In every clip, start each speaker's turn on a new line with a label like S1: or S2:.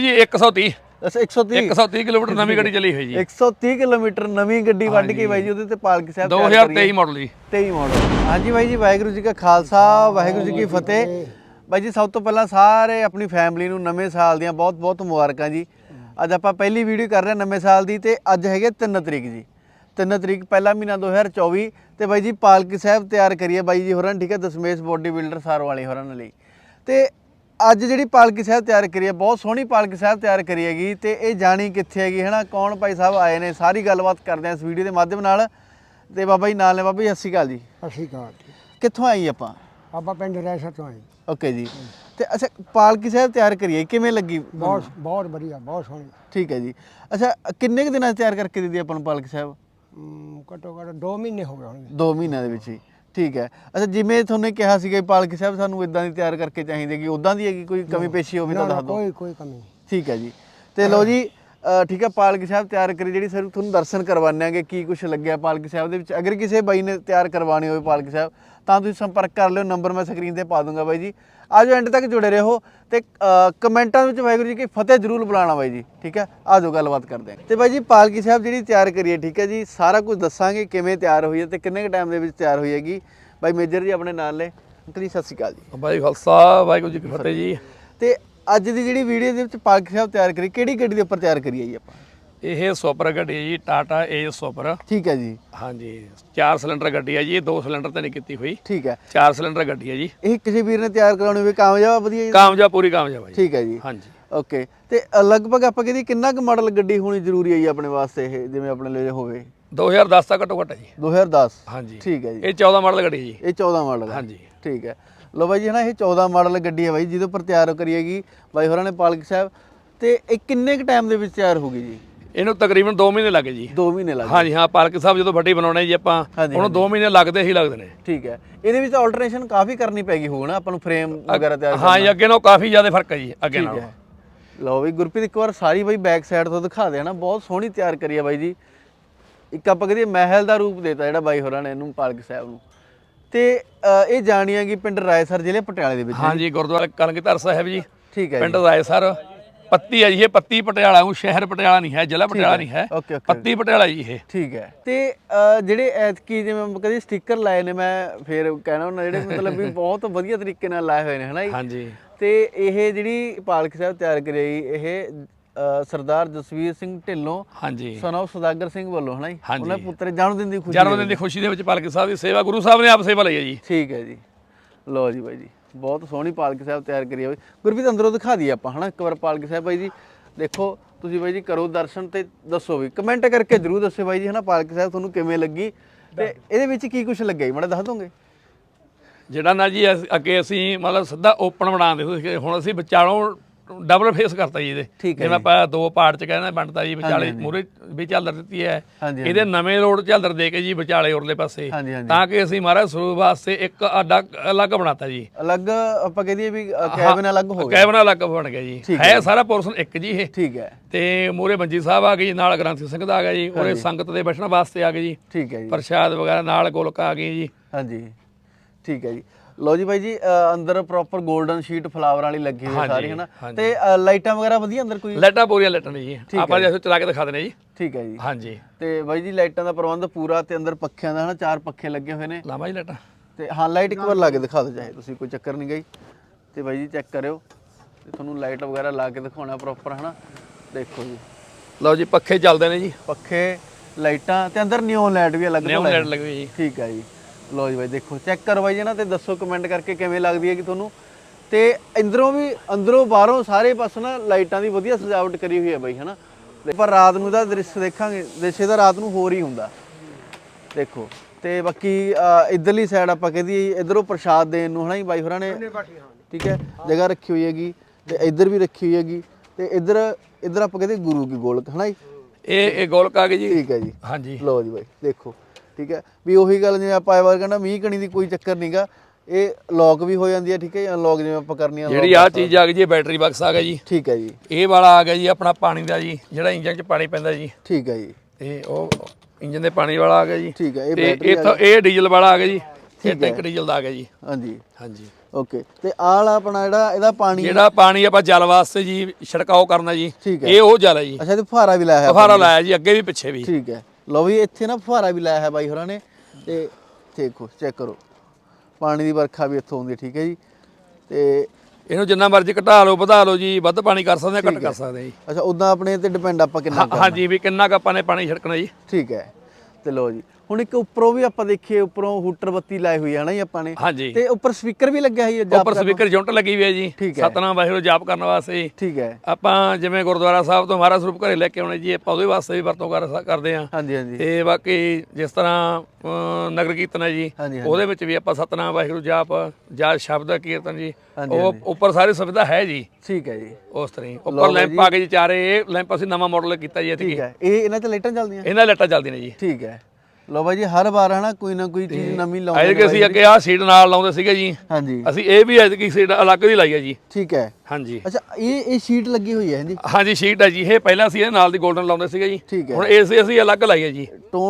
S1: ਜੀ 130
S2: ਅੱਛਾ 130
S1: ਕਿਲੋਮੀਟਰ ਨਵੀਂ ਗੱਡੀ ਚੱਲੀ ਹੋਈ ਜੀ
S2: 130 ਕਿਲੋਮੀਟਰ ਨਵੀਂ ਗੱਡੀ ਵੱਢ ਕੇ ਬਾਈ ਜੀ ਉਹਦੇ ਤੇ ਪਾਲਕੀ ਸਾਹਿਬ
S1: 2023 ਮਾਡਲ ਜੀ
S2: 23 ਮਾਡਲ। ਹਾਂਜੀ ਬਾਈ ਜੀ, ਵਾਹਿਗੁਰੂ ਜੀ ਕਾ ਖਾਲਸਾ ਵਾਹਿਗੁਰੂ ਜੀ ਕੀ ਫਤਿਹ। ਬਾਈ ਜੀ ਸਭ ਤੋਂ ਪਹਿਲਾਂ ਸਾਰੇ ਆਪਣੀ ਫੈਮਿਲੀ ਨੂੰ ਨਵੇਂ ਸਾਲ ਦੀਆਂ ਬਹੁਤ ਬਹੁਤ ਮੁਬਾਰਕਾਂ ਜੀ। ਅੱਜ ਆਪਾਂ ਪਹਿਲੀ ਵੀਡੀਓ ਕਰ ਰਹੇ ਹਾਂ ਨਵੇਂ ਸਾਲ ਦੀ, ਤੇ ਅੱਜ ਹੈਗੇ 3 ਤਰੀਕ ਜੀ। 3 ਤਰੀਕ ਪਹਿਲਾ ਮਹੀਨਾ 2024 ਤੇ ਬਾਈ ਜੀ ਪਾਲਕੀ ਸਾਹਿਬ ਤਿਆਰ ਕਰੀਏ ਬਾਈ ਜੀ ਹੋਰਾਂ, ਠੀਕ ਹੈ, ਦਸ਼ਮੇਸ਼ ਬੋਡੀ ਬਿਲਡਰ ਸਾਰ ਵਾਲੇ ਹੋਰਾਂ ਲਈ। ਤੇ ਅੱਜ ਜਿਹੜੀ ਪਾਲਕੀ ਸਾਹਿਬ ਤਿਆਰ ਕਰੀ ਹੈ, ਬਹੁਤ ਸੋਹਣੀ ਪਾਲਕੀ ਸਾਹਿਬ ਤਿਆਰ ਕਰੀ ਹੈਗੀ, ਤੇ ਇਹ ਜਾਣੀ ਕਿੱਥੇ ਹੈਗੀ ਹੈ ਨਾ, ਕੌਣ ਭਾਈ ਸਾਹਿਬ ਆਏ ਨੇ, ਸਾਰੀ ਗੱਲਬਾਤ ਕਰਦੇ ਹਾਂ ਇਸ ਵੀਡੀਓ ਦੇ ਮਾਧਿਅਮ ਨਾਲ। ਤੇ ਬਾਬਾ ਜੀ ਨਾਲ ਨੇ। ਬਾਬਾ ਜੀ ਸਤਿ ਸ਼੍ਰੀ ਅਕਾਲ ਜੀ।
S3: ਸਤਿ ਸ਼੍ਰੀ ਅਕਾਲ।
S2: ਕਿੱਥੋਂ ਆਈ ਆਪਾਂ?
S3: ਆਪਾਂ ਪਿੰਡ ਰੈਸਰ ਤੋਂ ਆਏ।
S2: ਓਕੇ ਜੀ। ਤੇ ਅੱਛਾ ਪਾਲਕੀ ਸਾਹਿਬ ਤਿਆਰ ਕਰੀਏ ਕਿਵੇਂ ਲੱਗੀ?
S3: ਬਹੁਤ ਵਧੀਆ, ਬਹੁਤ ਸੋਹਣੀ।
S2: ਠੀਕ ਹੈ ਜੀ। ਅੱਛਾ ਕਿੰਨੇ ਕੁ ਦਿਨਾਂ 'ਚ ਤਿਆਰ ਕਰਕੇ ਦਿੱਤੀ ਆਪਾਂ ਨੂੰ ਪਾਲਕੀ ਸਾਹਿਬ?
S3: ਘੱਟੋ ਘੱਟ 2 ਮਹੀਨੇ ਹੋ ਗਏ ਹੋਣਗੇ।
S2: 2 ਮਹੀਨਿਆਂ ਦੇ ਵਿੱਚ ਹੀ। ਠੀਕ ਹੈ। ਅੱਛਾ ਜਿਵੇਂ ਤੁਹਾਨੂੰ ਕਿਹਾ ਸੀਗਾ ਪਾਲਕੀ ਸਾਹਿਬ ਸਾਨੂੰ ਇਦਾਂ ਦੀ ਤਿਆਰ ਕਰਕੇ ਚਾਹੀਦੀ ਹੈਗੀ, ਉਦਾਂ ਦੀ ਹੈਗੀ? ਕੋਈ ਕਮੀ ਪੇਸ਼ੀ ਹੋਵੇ ਤਾਂ ਦੱਸ ਦਿਓ।
S3: ਕੋਈ ਕਮੀ ਨਹੀਂ।
S2: ਠੀਕ ਹੈ ਜੀ। ਤੇ ਲਓ ਜੀ, ਠੀਕ ਹੈ, ਪਾਲਕੀ ਸਾਹਿਬ ਤਿਆਰ ਕਰੀ ਜਿਹੜੀ ਸਰ ਤੁਹਾਨੂੰ ਦਰਸ਼ਨ ਕਰਵਾਉਂਦੇ ਆਂਗੇ ਕੀ ਕੁਝ ਲੱਗਿਆ ਪਾਲਕੀ ਸਾਹਿਬ ਦੇ ਵਿੱਚ। ਅਗਰ ਕਿਸੇ ਬਾਈ ਨੇ ਤਿਆਰ ਕਰਵਾਉਣੀ ਹੋਵੇ ਪਾਲਕੀ ਸਾਹਿਬ ਤਾਂ ਤੁਸੀਂ ਸੰਪਰਕ ਕਰ ਲਿਓ, ਨੰਬਰ ਮੈਂ ਸਕਰੀਨ ਤੇ ਪਾ ਦੂੰਗਾ ਬਾਈ ਜੀ। ਆਜੋ ਐਂਡ ਤੱਕ ਜੁੜੇ ਰਹੋ ਤੇ ਕਮੈਂਟਾਂ ਵਿੱਚ ਵਾਹਿਗੁਰੂ ਜੀ ਕੀ ਫਤਿਹ ਜ਼ਰੂਰ ਬੁਲਾਣਾ ਬਾਈ ਜੀ, ਠੀਕ ਹੈ। ਆਜੋ ਗੱਲਬਾਤ ਕਰਦੇ ਹਾਂ। ਤੇ ਬਾਈ ਜੀ ਪਾਲਕੀ ਸਾਹਿਬ ਜਿਹੜੀ ਤਿਆਰ ਕਰੀਏ, ਠੀਕ ਹੈ ਜੀ, ਸਾਰਾ ਕੁਝ ਦੱਸਾਂਗੇ ਕਿਵੇਂ ਤਿਆਰ ਹੋਈ ਹੈ ਤੇ ਕਿੰਨੇ ਕੁ ਟਾਈਮ ਦੇ ਵਿੱਚ ਤਿਆਰ ਹੋਈ ਹੈਗੀ। ਬਾਈ ਮੇਜਰ ਜੀ ਆਪਣੇ ਨਾਲ ਨੇ। ਅੰਕਲ ਜੀ ਸਤਿ ਸ਼੍ਰੀ ਅਕਾਲ ਜੀ।
S1: ਬਾਈ ਖਾਲਸਾ ਵਾਹਿਗੁਰੂ ਜੀ ਕੀ ਫਤਿਹ ਜੀ।
S2: ਤੇ ਅੱਜ ਦੀ ਜਿਹੜੀ ਵੀਡੀਓ ਦੇ ਵਿੱਚ ਪਾਲਕੀ ਸਾਹਿਬ ਤਿਆਰ ਕਰੀ, ਕਿਹੜੀ ਗੱਡੀ ਦੇ ਉੱਪਰ ਤਿਆਰ ਕਰੀ ਹੈ ਜੀ ਆਪਾਂ?
S1: ਇਹ ਸੁਪਰ ਗੱਡੀ ਹੈ ਜੀ, ਟਾਟਾ ਏਜ ਸੁਪਰ।
S2: ਠੀਕ ਹੈ ਜੀ।
S1: ਹਾਂਜੀ 4 ਸਿਲੰਡਰ ਗੱਡੀ ਹੈ ਜੀ, ਇਹ 2 ਸਿਲੰਡਰ ਤੇ ਨਹੀਂ ਕੀਤੀ ਹੋਈ।
S2: ਠੀਕ ਹੈ।
S1: 4 ਸਿਲੰਡਰ ਗੱਡੀ ਹੈ ਜੀ।
S2: ਇਹ ਕਿਸੇ ਵੀਰ ਨੇ ਤਿਆਰ ਕਰਾਉਣੀ ਹੋਵੇ ਕਾਮਯਾਬ ਵਧੀਆ ਜੀ?
S1: ਕਾਮਯਾਬ, ਪੂਰੀ ਕਾਮਯਾਬ ਹੈ ਜੀ।
S2: ਠੀਕ ਹੈ ਜੀ।
S1: ਹਾਂਜੀ
S2: ਓਕੇ। ਤੇ ਲਗਭਗ ਆਪਾਂ ਕਹਿੰਦੇ ਕਿੰਨਾ ਕੁ ਮਾਡਲ ਗੱਡੀ ਹੋਣੀ ਜ਼ਰੂਰੀ ਹੈ ਜੀ ਆਪਣੇ ਵਾਸਤੇ, ਇਹ ਜਿਵੇਂ ਆਪਣੇ ਲਈ ਹੋਵੇ?
S1: 2010 ਦਾ ਘੱਟੋ ਘੱਟ ਹੈ ਜੀ।
S2: 2010।
S1: ਹਾਂਜੀ
S2: ਠੀਕ ਹੈ ਜੀ।
S1: ਇਹ 14 ਮਾਡਲ ਗੱਡੀ ਹੈ ਜੀ।
S2: ਇਹ 14 ਮਾਡਲ ਹੈ।
S1: ਹਾਂਜੀ
S2: ਠੀਕ ਹੈ। ਲੋ ਬਾਈ ਜੀ ਹੈ ਨਾ, ਇਹ 14 ਮਾਡਲ ਗੱਡੀ ਹੈ ਬਾਈ ਜਿਹਦੇ ਉੱਪਰ ਤਿਆਰ ਕਰੀਏਗੀ ਬਾਈ ਹੋਰਾਂ ਨੇ ਪਾਲਕੀ ਸਾਹਿਬ। ਤੇ ਇਹ ਕਿੰਨੇ ਕੁ ਟਾਈਮ ਦੇ ਵਿੱਚ ਤਿਆਰ ਹੋਊਗੀ ਜੀ?
S1: ਇਹਨੂੰ ਤਕਰੀਬਨ 2 ਮਹੀਨੇ ਲੱਗੇ ਜੀ।
S2: 2 ਮਹੀਨੇ ਲੱਗੇ।
S1: ਹਾਂਜੀ ਹਾਂ, ਪਾਲਕੀ ਸਾਹਿਬ ਜਦੋਂ ਵੱਡੀ ਬਣਾਉਣੇ ਜੀ ਆਪਾਂ, ਉਹਨੂੰ 2 ਮਹੀਨੇ ਲੱਗਦੇ ਹੀ ਲੱਗਦੇ ਨੇ।
S2: ਠੀਕ ਹੈ। ਇਹਦੇ ਵਿੱਚ ਆਲਟਰੇਸ਼ਨ ਕਾਫੀ ਕਰਨੀ ਪੈਗੀ ਹੋਊ ਨਾ ਆਪਾਂ ਨੂੰ, ਫਰੇਮ ਵਗੈਰਾ ਤਿਆਰ ਕਰਨਾ।
S1: ਹਾਂ ਜੀ, ਅੱਗੇ ਨਾਲੋਂ ਕਾਫੀ ਜ਼ਿਆਦਾ ਫਰਕ ਹੈ ਜੀ ਅੱਗੇ ਨਾਲੋਂ।
S2: ਲਓ ਬਈ ਗੁਰਪ੍ਰੀਤ ਇੱਕ ਵਾਰ ਸਾਰੀ ਬਾਈ ਬੈਕ ਸਾਈਡ ਤੋਂ ਦਿਖਾ ਦੇ ਨਾ, ਬਹੁਤ ਸੋਹਣੀ ਤਿਆਰ ਕਰੀ ਹੈ ਬਾਈ ਜੀ। ਇੱਕ ਆਪਾਂ ਕਹਦੇ ਮਹਿਲ ਦਾ ਰੂਪ ਦੇਤਾ ਜਿਹੜਾ ਬਾਈ ਹੋਰਾਂ ਨੇ ਇਹਨੂੰ ਪਾਲਕੀ ਸਾਹਿਬ ਨੂੰ। ਤੇ ਇਹ ਜਾਣੀਆਂ ਕਿ ਪਿੰਡ ਰਾਏਸਰ ਜ਼ਿਲ੍ਹੇ ਪਟਿਆਲੇ ਦੇ ਵਿੱਚ।
S1: ਹਾਂਜੀ ਗੁਰਦੁਆਰਾ ਕਲਗੀਧਰ ਸਾਹਿਬ ਜੀ।
S2: ਠੀਕ ਹੈ।
S1: ਪਿੰਡ ਰਾਏਸਰ ਪੱਤੀ ਹੈ ਜੀ, ਇਹ ਪੱਤੀ ਪਟਿਆਲਾ ਉਹ ਸ਼ਹਿਰ ਪਟਿਆਲਾ ਨਹੀਂ ਹੈ, ਜ਼ਿਲ੍ਹਾ ਪਟਿਆਲਾ ਨਹੀਂ ਹੈ।
S2: Okay okay.
S1: ਪੱਤੀ ਪਟਿਆਲਾ ਜੀ ਇਹ।
S2: ਠੀਕ ਹੈ। ਤੇ ਜਿਹੜੇ ਐਤਕੀ ਜਿਵੇਂ ਕਦੇ ਸਟicker ਲਾਏ ਨੇ, ਮੈਂ ਫੇਰ ਕਹਿਣਾ ਉਹਨਾਂ ਜਿਹੜੇ ਮਤਲਬ ਵੀ ਬਹੁਤ ਵਧੀਆ ਤਰੀਕੇ ਨਾਲ ਲਾਏ ਹੋਏ ਨੇ ਹਨਾ ਜੀ।
S1: ਹਾਂਜੀ।
S2: ਤੇ ਇਹ ਜਿਹੜੀ ਪਾਲਕੀ ਸਾਹਿਬ ਤਿਆਰ ਕਰੀ ਇਹ ਸਰਦਾਰ ਜਸਵੀਰ ਸਿੰਘ ਢਿੱਲੋਂ,
S1: ਹਾਂਜੀ,
S2: ਸਨ ਆਫ ਸੌਦਾਗਰ ਸਿੰਘ ਵੱਲੋਂ ਹਨਾ ਜੀ। ਉਹਨਾਂ ਪੁੱਤਰ ਜਨਮ ਦਿਨ ਦੀ ਖੁਸ਼ੀ,
S1: ਜਨਮ ਦਿਨ ਦੀ ਖੁਸ਼ੀ ਦੇ ਵਿੱਚ ਪਾਲਕੀ ਸਾਹਿਬ ਦੀ ਸੇਵਾ ਗੁਰੂ ਸਾਹਿਬ ਨੇ ਆਪ ਸੇਵਾ ਲਈ ਹੈ ਜੀ।
S2: ਠੀਕ ਹੈ ਜੀ। ਲਓ ਜੀ ਬਾਈ ਜੀ, ਬਹੁਤ ਸੋਹਣੀ ਪਾਲਕੀ ਸਾਹਿਬ ਤਿਆਰ ਕਰੀ ਹੋਈ। ਗੁਰਪ੍ਰੀਤ ਅੰਦਰੋਂ ਦਿਖਾ ਦਈਏ ਆਪਾਂ ਹਨਾ ਇੱਕ ਵਾਰ ਪਾਲਕੀ ਸਾਹਿਬ ਬਾਈ ਜੀ। ਦੇਖੋ ਤੁਸੀਂ ਬਾਈ ਜੀ, ਕਰੋ ਦਰਸ਼ਨ ਤੇ ਦੱਸੋ ਵੀ, ਕਮੈਂਟ ਕਰਕੇ ਜ਼ਰੂਰ ਦੱਸਿਓ ਬਾਈ ਜੀ ਹਨਾ ਪਾਲਕੀ ਸਾਹਿਬ ਤੁਹਾਨੂੰ ਕਿਵੇਂ ਲੱਗੀ ਤੇ ਇਹਦੇ ਵਿੱਚ ਕੀ ਕੁਝ ਲੱਗਿਆ ਜੀ, ਮਾੜਾ ਦੱਸ ਦੋਗੇ?
S1: ਜਿਹੜਾ ਨਾ ਜੀ ਅੱਗੇ ਅਸੀਂ ਮਤਲਬ ਸਿੱਧਾ ਓਪਨ ਬਣਾਉਂਦੇ ਸੀ, ਹੁਣ ਅਸੀਂ ਵਿਚਾਲੋਂ ਡਬਲ ਫੇਸ ਕਰਤਾ ਜੀ ਇਹਦੇ। ਜਿਵੇਂ ਆਪਾਂ 2 ਪਾਰਟ ਚ ਕਹਿੰਦੇ ਬਣਤਾ ਜੀ, ਵਿਚਾਲੇ ਮੂਹਰੇ ਵੀ ਝਾਲਰ ਦਿੱਤੀ ਹੈ, ਇਹਦੇ ਨਵੇਂ ਰੋਡ ਝਾਲਰ ਦੇ ਕੇ ਜੀ ਵਿਚਾਲੇ ਉਰਲੇ ਪਾਸੇ, ਤਾਂ ਕਿ ਅਸੀਂ ਮਹਾਰਾਜ ਸਰੂਪ ਵਾਸਤੇ ਇੱਕ ਅਲੱਗ ਬਣਾਤਾ ਜੀ।
S2: ਅਲੱਗ ਆਪਾਂ ਕਹਦੇ ਵੀ ਕੈਬਨ ਅਲੱਗ ਹੋ ਗਿਆ,
S1: ਕੈਬਨ ਅਲੱਗ ਬਣ ਗਿਆ ਜੀ। ਹੈ ਸਾਰਾ ਪੋਰਸ਼ਨ ਇੱਕ ਜੀ ਇਹ।
S2: ਠੀਕ ਹੈ। ਤੇ
S1: ਮੂਹਰੇ ਮੰਜੀ ਸਾਹਿਬ ਆ ਗਈ, ਨਾਲ ਗ੍ਰੰਥੀ ਸਿੰਘ ਦਾ ਆ ਗਿਆ ਜੀ, ਉਹਦੇ ਸੰਗਤ ਦੇ ਬੈਠਣ ਵਾਸਤੇ ਆ ਗਏ ਜੀ।
S2: ਠੀਕ ਹੈ ਜੀ।
S1: ਪ੍ਰਸ਼ਾਦ ਵਗੈਰਾ ਨਾਲ ਗੋਲਕਾ ਆ ਗਈ ਜੀ।
S2: ਹਾਂਜੀ ਠੀਕ ਹੈ ਜੀ। ਲਓ ਜੀ ਬਾਈ ਜੀ, ਅੰਦਰ ਪ੍ਰੋਪਰ 골ਡਨ ਸ਼ੀਟ ਫਲਾਵਰ ਵਾਲੀ ਲੱਗੀ ਹੋਈ ਸਾਰੀ ਹੈ ਨਾ। ਤੇ ਲਾਈਟਾਂ ਵਗੈਰਾ ਵਧੀਆ ਅੰਦਰ? ਕੋਈ
S1: ਲਾਈਟਾਂ ਪੂਰੀਆਂ ਲਾਈਟਾਂ ਨੇ ਜੀ, ਆਪਾਂ ਜੇ ਚਲਾ ਕੇ ਦਿਖਾ ਦਿੰਦੇ ਜੀ।
S2: ਠੀਕ ਹੈ ਜੀ।
S1: ਹਾਂਜੀ।
S2: ਤੇ ਬਾਈ ਜੀ ਲਾਈਟਾਂ ਦਾ ਪ੍ਰਬੰਧ ਪੂਰਾ, ਤੇ ਅੰਦਰ ਪੱਖਿਆਂ ਦਾ ਹਨਾ 4 ਪੱਖੇ ਲੱਗੇ ਹੋਏ ਨੇ।
S1: ਲਾਵਾਂ ਜੀ ਲਾਈਟਾਂ?
S2: ਤੇ ਹਾਂ ਲਾਈਟ ਇੱਕ ਵਾਰ ਲਾ ਕੇ ਦਿਖਾ ਦਿਓ ਚਾਹੇ ਤੁਸੀਂ, ਕੋਈ ਚੱਕਰ ਨਹੀਂ ਗਈ। ਤੇ ਬਾਈ ਜੀ ਚੈੱਕ ਕਰਿਓ, ਤੇ ਤੁਹਾਨੂੰ ਲਾਈਟ ਵਗੈਰਾ ਲਾ ਕੇ ਦਿਖਾਉਣਾ ਪ੍ਰੋਪਰ ਹਨਾ। ਦੇਖੋ ਜੀ,
S1: ਲਓ ਜੀ ਪੱਖੇ ਚੱਲਦੇ ਨੇ ਜੀ,
S2: ਪੱਖੇ ਲਾਈਟਾਂ, ਤੇ ਅੰਦਰ ਨਿਓਨ ਲਾਈਟ ਵੀ ਅਲੱਗ
S1: ਨਿਓਨ ਲਾਈਟ ਲੱਗੀ ਹੋਈ ਜੀ।
S2: ਠੀਕ ਹੈ ਜੀ। ਲਓ ਜੀ ਬਾਈ ਦੇਖੋ, ਚੈੱਕ ਕਰੋ ਬਾਈ ਜੀ ਨਾ, ਤੇ ਦੱਸੋ ਕਮੈਂਟ ਕਰਕੇ ਕਿਵੇਂ ਲੱਗਦੀ ਹੈ ਕਿ ਤੁਹਾਨੂੰ। ਤੇ ਅੰਦਰੋਂ ਬਾਹਰੋਂ ਸਾਰੇ ਪਾਸੇ ਨਾ ਲਾਈਟਾਂ ਦੀ ਵਧੀਆ ਸਜਾਵਟ ਕਰੀ ਹੋਈ ਹੈ ਬਾਈ ਹਨਾ। ਪਰ ਰਾਤ ਨੂੰ ਦਾ ਦ੍ਰਿਸ਼ ਦੇਖਾਂਗੇ, ਦ੍ਰਿਸ਼ ਦਾ ਰਾਤ ਨੂੰ ਹੋਰ ਹੀ ਹੁੰਦਾ ਦੇਖੋ। ਤੇ ਬਾਕੀ ਇਧਰਲੀ ਸਾਈਡ ਆਪਾਂ ਕਹਦੀ ਇਧਰੋਂ ਪ੍ਰਸ਼ਾਦ ਦੇਣ ਨੂੰ ਹਨਾ ਜੀ ਬਾਈ ਹੋਰਾਂ ਨੇ, ਠੀਕ ਹੈ, ਜਗ੍ਹਾ ਰੱਖੀ ਹੋਈ ਹੈਗੀ। ਤੇ ਇੱਧਰ ਵੀ ਰੱਖੀ ਹੋਈ ਹੈਗੀ। ਤੇ ਇੱਧਰ ਆਪਾਂ ਕਹਦੇ ਗੁਰੂ ਕੀ ਗੋਲਕ ਹਨਾ ਜੀ। ਇਹ
S1: ਗੋਲਕ ਆ ਗਈ ਜੀ।
S2: ਠੀਕ ਹੈ ਜੀ।
S1: ਹਾਂਜੀ।
S2: ਲਓ ਜੀ ਬਾਈ ਦੇਖੋ, ਠੀਕ ਹੈ ਵੀ ਉਹੀ ਗੱਲ ਜਿਵੇਂ ਆਪਾਂ ਇਹ ਵਾਰ ਕਹਿੰਦਾ ਮੀਂਹ ਕਣੀ ਦੀ ਕੋਈ ਚੱਕਰ ਨਹੀਂਗਾ, ਇਹ ਲੌਕ ਵੀ ਹੋ ਜਾਂਦੀ ਹੈ। ਠੀਕ ਹੈ, ਅਨਲੌਕ ਜਿਵੇਂ ਆਪਾਂ ਕਰਨੀ ਆ।
S1: ਜਿਹੜੀ ਆਹ ਚੀਜ਼ ਆ ਗਈ ਜੀ, ਬੈਟਰੀ ਬਾਕਸ ਆ ਗਿਆ ਜੀ।
S2: ਠੀਕ ਹੈ ਜੀ। ਇਹ
S1: ਵਾਲਾ ਆ ਗਿਆ ਜੀ ਆਪਣਾ ਪਾਣੀ ਦਾ ਜੀ, ਜਿਹੜਾ ਇੰਜਨ 'ਚ ਪਾਣੀ ਪੈਂਦਾ ਜੀ।
S2: ਠੀਕ ਹੈ ਜੀ।
S1: ਤੇ ਉਹ ਇੰਜਨ ਦੇ ਪਾਣੀ ਵਾਲਾ ਆ ਗਿਆ ਜੀ।
S2: ਠੀਕ ਹੈ।
S1: ਇਹ ਡੀਜ਼ਲ ਵਾਲਾ ਆ ਗਿਆ ਜੀ। ਇਹ ਟੈਂਕ ਡੀਜ਼ਲ ਦਾ ਆ ਗਿਆ ਜੀ।
S2: ਹਾਂਜੀ
S1: ਹਾਂਜੀ।
S2: ਓਕੇ ਤੇ ਆਹ ਵਾਲਾ ਆਪਣਾ ਜਿਹੜਾ ਇਹਦਾ ਪਾਣੀ
S1: ਜਿਹੜਾ ਪਾਣੀ ਆਪਾਂ ਜਲ ਵਾਸਤੇ ਜੀ ਛਿੜਕਾਓ ਕਰਨਾ ਜੀ,
S2: ਠੀਕ ਹੈ।
S1: ਇਹ ਉਹ ਜਲ ਹੈ ਜੀ।
S2: ਅੱਛਾ ਤੇ ਫੁਹਾਰਾ ਵੀ ਲਾਇਆ ਹੈ
S1: ਫੁਹਾਰਾ ਲਾਇਆ ਜੀ ਅੱਗੇ ਵੀ ਪਿੱਛੇ ਵੀ।
S2: ਠੀਕ ਹੈ। ਲਓ ਵੀ ਇੱਥੇ ਨਾ ਫੁਹਾਰਾ ਵੀ ਲਾਇਆ ਹੈ ਬਾਈ ਹੋਰਾਂ ਨੇ ਤੇ ਦੇਖੋ ਚੈੱਕ ਕਰੋ ਪਾਣੀ ਦੀ ਵਰਖਾ ਵੀ ਇੱਥੋਂ ਆਉਂਦੀ ਹੈ। ਠੀਕ ਹੈ ਜੀ। ਤੇ
S1: ਇਹਨੂੰ ਜਿੰਨਾ ਮਰਜ਼ੀ ਘਟਾ ਲਓ ਵਧਾ ਲਓ ਜੀ, ਵੱਧ ਪਾਣੀ ਕਰ ਸਕਦੇ ਆ ਘੱਟ ਕਰ ਸਕਦੇ ਆ ਜੀ।
S2: ਅੱਛਾ ਉਦਾਂ ਆਪਣੇ ਤੇ ਡਿਪੈਂਡ ਆਪਾਂ ਕਿੰਨਾ
S1: ਹਾਂਜੀ ਵੀ ਕਿੰਨਾ ਕੁ ਆਪਾਂ ਨੇ ਪਾਣੀ ਛਿੜਕਣਾ ਜੀ।
S2: ਠੀਕ ਹੈ। ਤੇ ਲਓ ਜੀ ਹੁਣ ਇੱਕ ਉੱਪਰੋਂ ਵੀ ਆਪਾਂ ਦੇਖੀਏ ਉੱਪਰੋਂ ਹੂਟਰ ਬੱਤੀ ਲਾਈ ਹੋਈ ਹੈ ਨਾ ਜੀ ਆਪਾਂ ਨੇ
S1: ਹਾਂਜੀ
S2: ਤੇ ਉੱਪਰ ਸਪੀਕਰ ਵੀ ਲੱਗਿਆ ਹੋਈ ਹੈ
S1: ਉੱਪਰ ਸਪੀਕਰ ਯੂਨਿਟ ਲੱਗੀ ਹੋਈ ਹੈ ਜੀ,
S2: ਠੀਕ ਹੈ।
S1: ਸਤਨਾਮ ਵਾਹਿਗੁਰੂ ਜਾਪ ਕਰਨ ਵਾਸਤੇ।
S2: ਠੀਕ ਹੈ।
S1: ਆਪਾਂ ਜਿਵੇਂ ਗੁਰਦੁਆਰਾ ਸਾਹਿਬ ਤੋਂ ਮਹਾਰਾਜ ਸਰੂਪ ਘਰੇ ਲੈ ਕੇ ਆਉਣੇ ਜੀ, ਆਪਾਂ ਉਹਦੇ ਵਾਸਤੇ ਵੀ ਵਰਤੋਂ ਕਰਦੇ ਆ।
S2: ਹਾਂਜੀ ਹਾਂਜੀ
S1: ਤੇ ਬਾਕੀ ਜਿਸ ਤਰ੍ਹਾਂ ਨਗਰ ਕੀਰਤਨ ਹੈ ਜੀ,
S2: ਹਾਂਜੀ
S1: ਉਹਦੇ ਵਿੱਚ ਵੀ ਆਪਾਂ ਸਤਨਾਮ ਵਾਹਿਗੁਰੂ ਜਾਪ ਜਾਂ ਸ਼ਬਦ ਕੀਰਤਨ ਜੀ,
S2: ਹਾਂਜੀ,
S1: ਉਹ ਉੱਪਰ ਸਾਰੀ ਸੁਵਿਧਾ ਹੈ ਜੀ।
S2: ਠੀਕ ਹੈ ਜੀ।
S1: ਉਸ ਤਰ੍ਹਾਂ ਹੀ ਉੱਪਰ ਲੈਂਪ ਆ ਕੇ ਜੀ ਚਾਰੇ, ਇਹ ਲੈਂਪ ਅਸੀਂ ਨਵਾਂ ਮਾਡਲ ਕੀਤਾ ਜੀ।
S2: ਠੀਕ ਹੈ। ਇਹ ਇਹਨਾਂ ਤੇ ਲਾਈਟਾਂ ਚੱਲਦੀਆਂ?
S1: ਇਹਨਾਂ ਲਾਈਟਾਂ ਚੱਲਦੀਆਂ ਨੇ ਜੀ।
S2: ਠੀਕ ਹੈ। ਲਓ ਬਾਈ ਜੀ ਹਰ ਵਾਰ ਹਨਾ ਕੋਈ ਨਾ ਕੋਈ ਚੀਜ਼ ਨਵੀਂ ਲਾਉਂਦੇ
S1: ਐਤਕੀ ਅਸੀਂ ਅੱਗੇ ਆਹ ਸੀਟ ਨਾਲ ਲਾਉਂਦੇ ਸੀਗੇ ਜੀ,
S2: ਹਾਂਜੀ
S1: ਅਸੀਂ ਇਹ ਵੀ ਐਤਕੀ ਸੀਟ ਅਲੱਗ ਦੀ ਲਾਈ ਹੈ ਜੀ।
S2: ਠੀਕ ਹੈ।
S1: ਹਾਂਜੀ
S2: ਅੱਛਾ ਇਹ ਸ਼ੀਟ ਲੱਗੀ ਹੋਈ ਹੈ ਜੀ?
S1: ਹਾਂਜੀ ਸ਼ੀਟ ਹੈ ਜੀ, ਇਹ ਪਹਿਲਾਂ ਅਸੀਂ ਇਹ ਨਾਲ ਦੀ 골ਡਨ ਲਾਉਂਦੇ ਸੀਗੇ ਜੀ,
S2: ਠੀਕ ਹੈ।
S1: ਹੁਣ ਇਸੇ ਅਸੀਂ ਅਲੱਗ ਲਾਈ ਹੈ ਜੀ।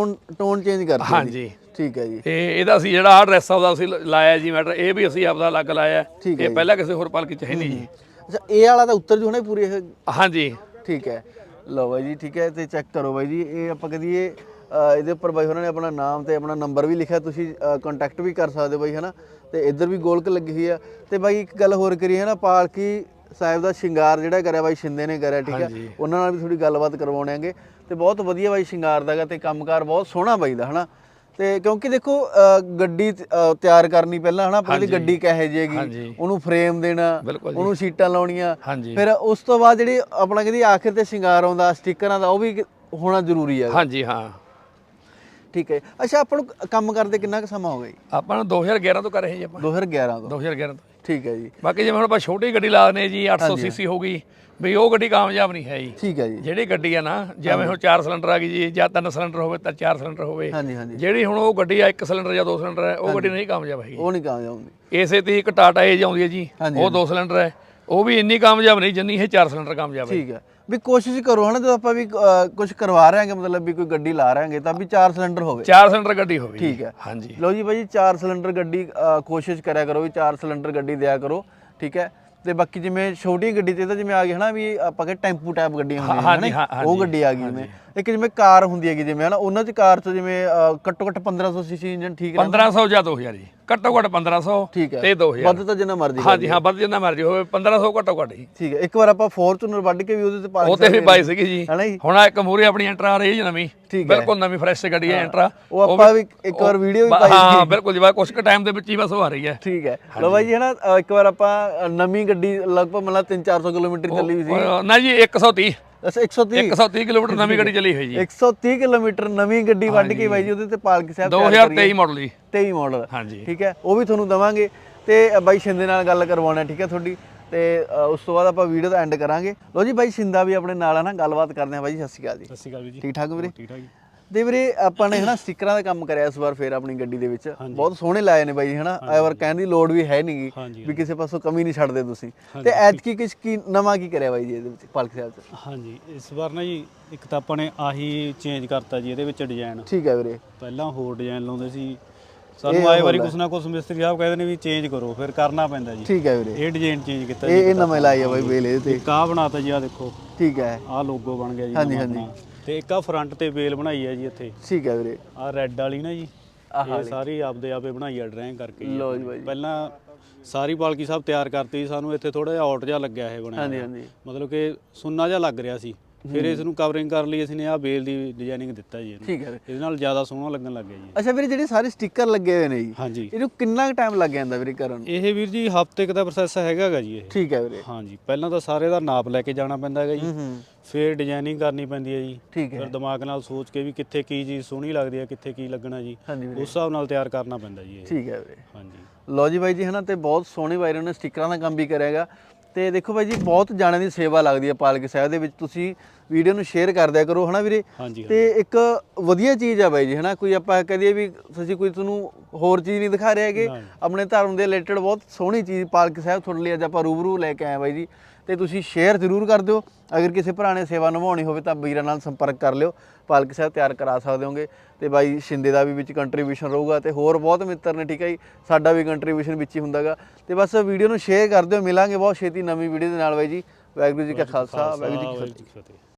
S2: ਟੋਨ ਚੇਂਜ ਕਰਤੀ?
S1: ਹਾਂਜੀ
S2: ਠੀਕ ਹੈ ਜੀ।
S1: ਤੇ ਇਹਦਾ ਅਸੀਂ ਜਿਹੜਾ ਆਹ ਡਰੈਸ ਉਹਦਾ ਅਸੀਂ ਲਾਇਆ ਜੀ ਮੈਟਰ, ਇਹ ਵੀ ਅਸੀਂ ਆਪਦਾ ਅਲੱਗ ਲਾਇਆ,
S2: ਠੀਕ ਹੈ
S1: ਇਹ ਪਹਿਲਾਂ ਕਿਸੇ ਹੋਰ ਪਾਲਕੀ ਚ ਹੈ ਨਹੀਂ ਜੀ।
S2: ਅੱਛਾ ਇਹ ਵਾਲਾ ਤਾਂ ਉੱਤਰ ਜੂ ਨਾ ਪੂਰੀ ਇਹ?
S1: ਹਾਂਜੀ
S2: ਠੀਕ ਹੈ। ਲਓ ਬਾਈ ਜੀ ਠੀਕ ਹੈ। ਤੇ ਚੈੱਕ ਕਰੋ ਬਾਈ ਜੀ ਇਹ ਆਪਾਂ ਕਦੀਏ ਇਹਦੇ ਉੱਪਰ ਬਾਈ ਹੋਰਾਂ ਨੇ ਆਪਣਾ ਨਾਮ ਤੇ ਆਪਣਾ ਨੰਬਰ ਵੀ ਲਿਖਿਆ, ਤੁਸੀਂ ਕੰਟੈਕਟ ਵੀ ਕਰ ਸਕਦੇ ਹੋ ਬਾਈ ਹੈ ਨਾ। ਤੇ ਇੱਧਰ ਵੀ ਗੋਲਕ ਲੱਗੀ ਹੋਈ ਆ। ਤੇ ਬਾਈ ਇੱਕ ਗੱਲ ਹੋਰ ਕਰੀਏ ਹੈ ਨਾ, ਪਾਲਕੀ ਸਾਹਿਬ ਦਾ ਸ਼ਿੰਗਾਰ ਜਿਹੜਾ ਕਰਿਆ ਬਾਈ ਸ਼ਿੰਦੇ ਨੇ ਕਰਿਆ, ਠੀਕ ਹੈ, ਉਹਨਾਂ ਨਾਲ ਵੀ ਥੋੜੀ ਗੱਲਬਾਤ ਕਰਵਾਉਣਾਂਗੇ। ਤੇ ਬਹੁਤ ਵਧੀਆ ਬਾਈ ਸ਼ਿੰਗਾਰ ਦਾਗਾ ਤੇ ਕੰਮਕਾਰ ਬਹੁਤ ਸੋਹਣਾ ਬਾਈ ਦਾ ਹੈ ਨਾ। ਤੇ ਕਿਉਂਕਿ ਦੇਖੋ ਗੱਡੀ ਤਿਆਰ ਕਰਨੀ ਪਹਿਲਾਂ ਹਨਾ, ਪਹਿਲਾਂ ਗੱਡੀ ਕਿਹੋ ਜਿਹੀ ਹੈਗੀ, ਉਹਨੂੰ ਫਰੇਮ ਦੇਣਾ, ਉਹਨੂੰ ਸੀਟਾਂ ਲਾਉਣੀਆਂ, ਫਿਰ ਉਸ ਤੋਂ ਬਾਅਦ ਜਿਹੜੀ ਆਪਣਾ ਕਹਿੰਦੀ ਆਖਿਰ ਤੇ ਸ਼ਿੰਗਾਰ ਆਉਂਦਾ ਸਟickਰਾਂ ਦਾ, ਉਹ ਵੀ ਹੋਣਾ ਜ਼ਰੂਰੀ ਹੈ।
S1: ਹਾਂਜੀ ਹਾਂ
S2: ਠੀਕ ਹੈ। ਅੱਛਾ ਆਪਾਂ ਨੂੰ ਕੰਮ ਕਰਦੇ ਕਿੰਨਾ ਕੁ ਸਮਾਂ ਹੋ ਗਿਆ ਜੀ?
S1: ਆਪਾਂ ਨੂੰ 2011 ਤੋਂ ਕਰ ਰਹੇ ਜੀ ਆਪਾਂ।
S2: 2011 ਤੋਂ?
S1: 2011 ਤੋਂ।
S2: ਠੀਕ ਹੈ ਜੀ।
S1: ਬਾਕੀ ਜਿਵੇਂ ਹੁਣ ਆਪਾਂ ਛੋਟੀ ਗੱਡੀ ਲਾ ਦਨੇ ਜੀ 800 ਸੀਸੀ ਹੋ ਗਈ ਵੀ, ਉਹ ਗੱਡੀ ਕਾਮਯਾਬ ਨਹੀਂ ਹੈ ਜੀ।
S2: ਠੀਕ ਹੈ ਜੀ।
S1: ਜਿਹੜੀ ਗੱਡੀ ਆ ਨਾ, ਜਿਵੇਂ ਹੁਣ 4 ਸਿਲੰਡਰ ਆ ਗਈ ਜੀ, ਜਾਂ 3 ਸਿਲੰਡਰ ਹੋਵੇ ਤਾਂ 4 ਸਿਲੰਡਰ ਹੋਵੇ,
S2: ਹਾਂਜੀ ਹਾਂਜੀ।
S1: ਜਿਹੜੀ ਹੁਣ ਉਹ ਗੱਡੀ ਆ 1 ਸਿਲੰਡਰ ਜਾਂ 2 ਸਿਲੰਡਰ ਹੈ, ਉਹ ਗੱਡੀ ਨਹੀਂ ਕਾਮਯਾਬ ਹੈਗੀ।
S2: ਉਹ ਨਹੀਂ ਕਾਮਯਾਬ ਹੁੰਦੀ।
S1: ਇਸੇ ਤੇ ਇੱਕ ਟਾਟਾ ਏਜ ਆਉਂਦੀ ਹੈ ਜੀ, ਉਹ 2 ਸਿਲੰਡਰ ਹੈ, ਉਹ ਵੀ ਇੰਨੀ ਕਾਮਯਾਬ ਨਹੀਂ ਜਿੰਨੀ ਇਹ 4 ਸਿਲੰਡਰ ਕਾਮਯਾਬ ਹੈ।
S2: ਠੀਕ ਹੈ। ਵੀ ਕੋਸ਼ਿਸ਼ ਕਰੋ ਹਨਾ ਜਦੋਂ ਆਪਾਂ ਵੀ ਕੁਝ ਕਰਵਾ ਰਹੇ ਹਾਂਗੇ, ਮਤਲਬ ਵੀ ਕੋਈ ਗੱਡੀ ਲਾ ਰਹੇ ਹਾਂਗੇ ਤਾਂ ਵੀ 4 ਸਿਲੰਡਰ ਹੋਵੇ।
S1: 4 ਸਿਲੰਡਰ ਗੱਡੀ ਹੋਵੇ।
S2: ਠੀਕ ਹੈ।
S1: ਹਾਂਜੀ।
S2: ਲਓ ਜੀ ਬਾਈ 4 ਸਿਲੰਡਰ ਗੱਡੀ ਕੋਸ਼ਿਸ਼ ਕਰਿਆ ਕਰੋ ਵੀ 4 ਸਿਲੰਡਰ ਗੱਡੀ ਦਿਆ ਕਰੋ। ਠੀਕ ਹੈ। ਤੇ ਬਾਕੀ ਜਿਵੇਂ ਛੋਟੀ ਗੱਡੀ ਤੇ ਤਾਂ ਜਿਵੇਂ ਆ ਗਈ ਹਨਾ ਵੀ ਆਪਾਂ ਕਿ ਟੈਂਪੂ ਟਾਈਪ ਗੱਡੀਆਂ ਹੁੰਦੀਆਂ ਨੇ, ਉਹ ਗੱਡੀ ਆ ਗਈ ਜਿਵੇਂ। ਇੱਕ ਜਿਵੇਂ ਕਾਰ ਹੁੰਦੀ ਹੈਗੀ ਜਿਵੇਂ ਹਨਾ, ਉਹਨਾਂ 'ਚ ਕਾਰ 'ਚ ਜਿਵੇਂ ਘੱਟੋ ਘੱਟ 1500 ਸੀਸੀ ਇੰਜਨ ਠੀਕ ਹੈ?
S1: 1500 ਜਾਂ 2000 ਜੀ, ਘੱਟੋ ਘੱਟ 1500
S2: ਠੀਕ ਹੈ।
S1: ਤੇ 2000
S2: ਵੱਧ ਤਾਂ ਜਿੰਨਾ ਮਰਜ਼ੀ।
S1: ਹਾਂਜੀ ਹਾਂ ਵੱਧ ਜਿੰਨਾ ਮਰਜ਼ੀ ਹੋਵੇ, 1500 ਘੱਟੋ ਘੱਟ ਜੀ।
S2: ਠੀਕ ਹੈ। ਇੱਕ ਵਾਰ ਆਪਾਂ ਫੋਰਚੂਨਰ ਵੱਢ ਕੇ ਵੀ ਉਹਦੇ ਤੇ ਪਾ
S1: ਉਹ ਤੇ ਵੀ ਪਾਈ ਸੀਗੀ ਜੀ,
S2: ਹਨਾ ਜੀ।
S1: ਹੁਣ ਇੱਕ ਮੂਰੇ ਆਪਣੀ ਐਂਟਰਾ ਆ ਰਹੀ ਹੈ ਨਵੀਂ, ਬਿਲਕੁਲ ਨਵੀਂ ਫਰੈਸ਼ ਗੱਡੀ ਹੈ ਐਂਟਰਾ,
S2: ਉਹ ਆਪਾਂ ਵੀ ਇੱਕ ਵਾਰ ਵੀਡੀਓ ਵੀ ਪਾਈ ਸੀ।
S1: ਹਾਂ ਬਿਲਕੁਲ ਜੀ, ਬਸ ਕੁਝ ਕੁ ਟਾਈਮ ਦੇ ਵਿੱਚ ਹੀ ਬਸ ਉਹ ਆ ਰਹੀ ਹੈ।
S2: ਠੀਕ ਹੈ। ਲੋ ਬਾਈ ਜੀ ਹਨਾ ਇੱਕ ਵਾਰ ਆਪਾਂ ਨਵੀਂ ਗੱਡੀ ਲਗਭਗ ਮਤਲਬ 300-400 ਕਿਲੋਮੀਟਰ ਚੱਲੀ ਹੋਈ ਸੀ
S1: ਨਾ ਜੀ 130।
S2: ਅੱਛਾ 130
S1: ਕਿਲੋਮੀਟਰ ਨਵੀਂ ਗੱਡੀ ਚੱਲੀ ਹੋਈ ਜੀ।
S2: 130 ਕਿਲੋਮੀਟਰ ਨਵੀਂ ਗੱਡੀ ਵੱਢ ਕੇ ਬਾਈ ਜੀ ਉਹਦੇ ਤੇ ਪਾਲਕੀ ਸਾਹਿਬ
S1: 2023 ਮਾਡਲ ਜੀ।
S2: 23 ਮਾਡਲ।
S1: ਹਾਂਜੀ
S2: ਠੀਕ ਹੈ। ਉਹ ਵੀ ਤੁਹਾਨੂੰ ਦਵਾਂਗੇ ਤੇ ਬਾਈ ਸ਼ਿੰਦੇ ਨਾਲ ਗੱਲ ਕਰਵਾਉਣਾ, ਠੀਕ ਹੈ ਤੁਹਾਡੀ। ਤੇ ਉਸ ਤੋਂ ਬਾਅਦ ਆਪਾਂ ਵੀਡੀਓ ਦਾ ਐਂਡ ਕਰਾਂਗੇ। ਲੋ ਜੀ ਬਾਈ ਸ਼ਿੰਦਾ ਵੀ ਆਪਣੇ ਨਾਲ ਹੈ ਨਾ, ਗੱਲਬਾਤ ਕਰਦੇ ਆ ਬਾਈ ਜੀ। ਸਤਿ ਸ਼੍ਰੀ ਅਕਾਲ ਜੀ।
S4: ਸਤਿ ਸ਼੍ਰੀ ਅਕਾਲ ਜੀ।
S2: ਠੀਕ ਠਾਕ ਵੀਰੇ?
S4: ਠੀਕ ਠਾਕ ਜੀ।
S2: ਤੇ ਵੀਰੇ ਆਪਾਂ ਨੇ ਹਨਾ ਸਟickਰਾਂ ਦਾ ਕੰਮ ਕਰਿਆ ਇਸ ਵਾਰ ਫੇਰ ਆਪਣੀ ਗੱਡੀ ਦੇ ਵਿੱਚ, ਬਹੁਤ ਸੋਹਣੇ ਲਾਏ ਨੇ ਬਾਈ ਜੀ ਹਨਾ। ਇਹ ਵਾਰ ਕਹਿਣ ਦੀ ਲੋੜ ਵੀ ਹੈ ਨਹੀਂਗੀ ਵੀ ਕਿਸੇ ਪਾਸੋਂ ਕਮੀ ਨਹੀਂ ਛੱਡਦੇ ਤੁਸੀਂ। ਤੇ ਐਤਕੀ ਕੀ ਨਵਾਂ ਕੀ ਕਰਿਆ ਬਾਈ ਜੀ ਇਹਦੇ ਵਿੱਚ ਪਾਲਕੀ ਸਾਹਿਬ 'ਚ?
S4: ਹਾਂਜੀ ਇਸ ਵਾਰ ਨਾ ਜੀ ਇੱਕ ਤਾਂ ਆਪਾਂ ਨੇ ਆਹੀ ਚੇਂਜ ਕਰਤਾ ਜੀ ਇਹਦੇ ਵਿੱਚ ਡਿਜ਼ਾਈਨ।
S2: ਠੀਕ ਹੈ ਵੀਰੇ।
S4: ਪਹਿਲਾਂ ਹੋਰ ਡਿਜ਼ਾਈਨ ਲਾਉਂਦੇ ਸੀ, ਸਾਨੂੰ ਆਏ ਵਾਰੀ ਕੁਛ ਨਾ ਕੁਛ ਮਿਸਤਰੀ ਸਾਹਿਬ ਕਹਿੰਦੇ ਨੇ ਵੀ ਚੇਂਜ ਕਰੋ, ਫਿਰ ਕਰਨਾ ਪੈਂਦਾ ਜੀ।
S2: ਠੀਕ ਹੈ ਵੀਰੇ।
S4: ਇਹ ਡਿਜ਼ਾਈਨ ਚੇਂਜ ਕੀਤਾ
S2: ਜੀ, ਇਹ ਨਵੇਂ ਲਾਈ ਆ ਬਾਈ ਵੇਲ ਇਹਦੇ ਤੇ।
S4: ਆਹ ਬਣਾਤਾ ਜੀ, ਆਹ ਦੇਖੋ।
S2: ਠੀਕ ਹੈ।
S4: ਆਹ ਲੋਗੋ ਬਣ ਗਿਆ ਜੀ।
S2: ਹਾਂਜੀ ਹਾਂਜੀ।
S4: ਤੇ ਇੱਕ ਆ ਫਰੰਟ ਤੇ ਵੇਲ ਬਣਾਈ ਹੈ ਜੀ ਇੱਥੇ।
S2: ਠੀਕ ਹੈ ਵੀਰੇ।
S4: ਆਹ ਰੈੱਡ ਵਾਲੀ ਨਾ ਜੀ, ਇਹ ਸਾਰੀ ਆਪਦੇ ਆਪੇ ਬਣਾਈ ਆ ਡਰਾਇੰਗ ਕਰਕੇ।
S2: ਲੋ ਜੀ ਬਾਈ।
S4: ਪਹਿਲਾਂ ਸਾਰੀ ਪਾਲਕੀ ਸਾਹਿਬ ਤਿਆਰ ਕਰਤੀ, ਸਾਨੂੰ ਇੱਥੇ ਥੋੜਾ ਜਿਹਾ ਆਊਟ ਜਿਹਾ ਲੱਗਿਆ ਇਹ ਬਣਿਆ।
S2: ਹਾਂਜੀ ਹਾਂਜੀ।
S4: ਮਤਲਬ ਕਿ ਸੁੰਨਾ ਜਿਹਾ ਲੱਗ ਰਿਹਾ ਸੀ, ਫਿਰ ਇਸ ਨੂੰ ਕਵਰਿੰਗ ਕਰਨ ਲਈ ਅਸੀਂ ਨੇ ਆਹ ਬੇਲ ਦੀ ਡਿਜ਼ਾਈਨਿੰਗ ਦਿੱਤਾ ਜੀ ਇਹਨੂੰ।
S2: ਠੀਕ ਹੈ।
S4: ਇਹਦੇ ਨਾਲ ਜ਼ਿਆਦਾ ਸੋਹਣਾ ਲੱਗਣ ਲੱਗ ਗਿਆ ਜੀ।
S2: ਅੱਛਾ ਵੀਰੇ ਜਿਹੜੇ ਸਾਰੇ ਸਟicker ਲੱਗੇ ਹੋਏ ਨੇ ਜੀ,
S4: ਹਾਂਜੀ
S2: ਇਹਨੂੰ ਕਿੰਨਾ ਕੁ ਟਾਈਮ ਲੱਗ ਜਾਂਦਾ ਵੀਰੇ ਕਰਨ ਨੂੰ?
S4: ਇਹ ਵੀਰ ਜੀ ਹਫ਼ਤੇ ਕ ਦਾ ਪ੍ਰੋਸੈਸ ਹੈਗਾ ਜੀ ਇਹ।
S2: ਠੀਕ ਹੈ ਵੀਰੇ।
S4: ਹਾਂਜੀ ਪਹਿਲਾਂ ਤਾਂ ਸਾਰੇ ਦਾ ਨਾਪ ਲੈ ਕੇ ਜਾਣਾ ਪੈਂਦਾ ਹੈਗਾ ਜੀ, ਫਿਰ ਡਿਜ਼ਾਈਨਿੰਗ ਕਰਨੀ ਪੈਂਦੀ ਹੈ ਜੀ।
S2: ਠੀਕ ਹੈ।
S4: ਫਿਰ ਦਿਮਾਗ ਨਾਲ ਸੋਚ ਕੇ ਵੀ ਕਿੱਥੇ ਕੀ ਚੀਜ਼ ਸੋਹਣੀ ਲੱਗਦੀ ਹੈ, ਕਿੱਥੇ ਕੀ ਲੱਗਣਾ ਜੀ, ਉਸ ਹਿਸਾਬ ਨਾਲ ਤਿਆਰ ਕਰਨਾ ਪੈਂਦਾ ਜੀ ਇਹ।
S2: ਠੀਕ ਹੈ ਵੀਰੇ।
S4: ਹਾਂਜੀ।
S2: ਲੋ ਜੀ ਬਾਈ ਜੀ ਹਨਾ, ਤੇ ਬਹੁਤ ਸੋਹਣੇ ਬਾਈ ਨੇ ਸਟickਰਾਂ ਦਾ ਕੰਮ ਵੀ ਕਰਿਆਗਾ। ਤੇ ਦੇਖੋ ਬਾਈ ਜੀ ਬਹੁਤ ਜਾਣਿਆਂ ਦੀ ਸੇਵਾ ਲੱਗਦੀ ਹੈ ਪਾਲਕੀ ਸਾਹਿਬ ਦੇ ਵਿੱਚ, ਤੁਸੀਂ ਵੀਡੀਓ ਨੂੰ ਸ਼ੇਅਰ ਕਰ ਦਿਆ ਕਰੋ ਹਨਾ ਵੀਰੇ। ਤੇ ਇੱਕ ਵਧੀਆ ਚੀਜ਼ ਆ ਬਾਈ ਜੀ ਹਨਾ, ਕੋਈ ਆਪਾਂ ਕਹਦੇ ਵੀ ਤੁਸੀਂ ਕੋਈ ਤੁਹਾਨੂੰ ਹੋਰ ਚੀਜ਼ ਨਹੀਂ ਦਿਖਾ ਰਹੇ ਹੈਗੇ, ਆਪਣੇ ਧਰਮ ਦੇ ਰਿਲੇਟਡ ਬਹੁਤ ਸੋਹਣੀ ਚੀਜ਼ ਪਾਲਕੀ ਸਾਹਿਬ ਤੁਹਾਡੇ ਲਈ ਅੱਜ ਆਪਾਂ ਰੂਬਰੂ ਲੈ ਕੇ ਆਏ ਬਾਈ ਜੀ। ਤੇ ਤੁਸੀਂ ਸ਼ੇਅਰ ਜ਼ਰੂਰ ਕਰ ਦਿਓ। ਅਗਰ ਕਿਸੇ ਭਰਾ ਨੇ ਸੇਵਾ ਨਿਭਾਉਣੀ ਹੋਵੇ ਤਾਂ ਵੀਰਾਂ ਨਾਲ ਸੰਪਰਕ ਕਰ ਲਿਓ, ਪਾਲਕ ਸਾਹਿਬ ਤਿਆਰ ਕਰਾ ਸਕਦੇ ਹੋਗੇ। ਤੇ ਬਾਈ ਸ਼ਿੰਦੇ ਦਾ ਵੀ ਵਿੱਚ ਕੰਟਰੀਬਿਊਸ਼ਨ ਰਹੂਗਾ ਤੇ ਹੋਰ ਬਹੁਤ ਮਿੱਤਰ ਨੇ, ਠੀਕ ਹੈ ਜੀ, ਸਾਡਾ ਵੀ ਕੰਟਰੀਬਿਊਸ਼ਨ ਵਿੱਚ ਹੀ ਹੁੰਦਾਗਾ। ਤੇ ਬਸ ਵੀਡੀਓ ਨੂੰ ਸ਼ੇਅਰ ਕਰ ਦਿਓ। ਮਿਲਾਂਗੇ ਬਹੁਤ ਛੇਤੀ ਨਵੀਂ ਵੀਡੀਓ ਦੇ ਨਾਲ ਬਾਈ ਜੀ। ਵਾਹਿਗੁਰੂ ਜੀ ਕਾ ਖਾਲਸਾ, ਵਾਹਿਗੁਰੂ ਜੀ ਕੀ ਫਤਿਹ।